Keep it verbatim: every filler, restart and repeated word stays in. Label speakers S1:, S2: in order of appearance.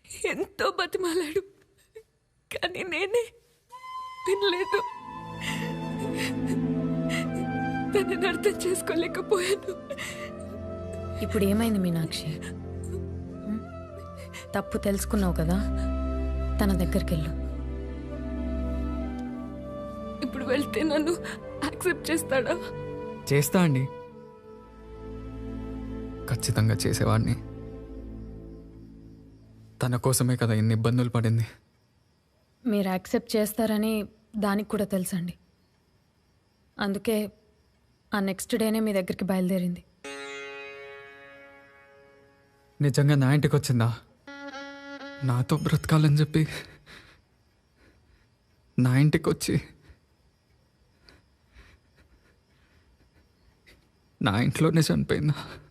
S1: ఎంతో బతిమాలాడు, కానీ నేనే వినలేదు. తనని అర్థం చేసుకోలేకపోయాను.
S2: ఇప్పుడు ఏమైంది మీనాక్షి? ఉం? తప్పు తెలుసుకున్నావు కదా, తన దగ్గరికి వెళ్ళు.
S1: ఇప్పుడు వెళ్తే నన్ను యాక్సెప్ట్ చేస్తాడా?
S3: చేస్తా అండి, ఖచ్చితంగా చేసేవాడిని. తన కోసమే కదా ఇన్ని ఇబ్బందులు పడింది.
S2: మీరు యాక్సెప్ట్ చేస్తారని దానికి కూడా తెలుసండి. అందుకే ఆ నెక్స్ట్ డేనే మీ దగ్గరికి బయలుదేరింది.
S3: నిజంగా నా ఇంటికి వచ్చిందా? నాతో బ్రతకాలని చెప్పి నా ఇంటికి వచ్చి నా ఇంట్లోనే చనిపోయిందా?